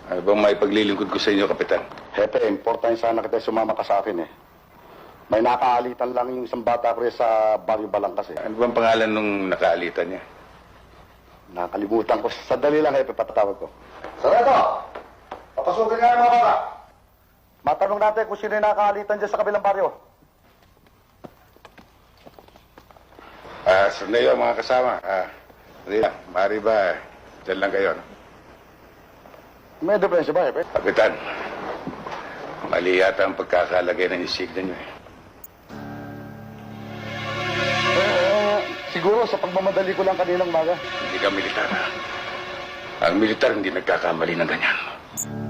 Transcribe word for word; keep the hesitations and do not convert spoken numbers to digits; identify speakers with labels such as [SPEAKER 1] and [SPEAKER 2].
[SPEAKER 1] Ano bang may paglilingkod ko sa inyo, Kapitan?
[SPEAKER 2] Hepe, importante sana kita sumama ka sa akin eh. May nakaalitan lang yung isang bata ko rin sa Barrio Balangkas eh.
[SPEAKER 1] Ano bang pangalan nung nakaalitan niya?
[SPEAKER 2] Nakalimutan ko. Sandali lang, Hepe, patatawag ko. Sarado! Papasukin nga yung mga bata. Matanong natin kung sino yung nakaalitan dyan sa kabilang baryo.
[SPEAKER 1] Ah, sandali lang mga kasama. Ah, sandali lang. Maaari ba, dyan lang kayo, no?
[SPEAKER 2] May diferensya ba, Hepe?
[SPEAKER 1] Kapitan, mali yata ang pagkakalagay ng insignia niyo eh.
[SPEAKER 2] Eh, siguro sa pagmamadali ko lang kaninang maga.
[SPEAKER 1] Hindi ka militar, ha? Ang militar hindi nagkakamali ng ganyan.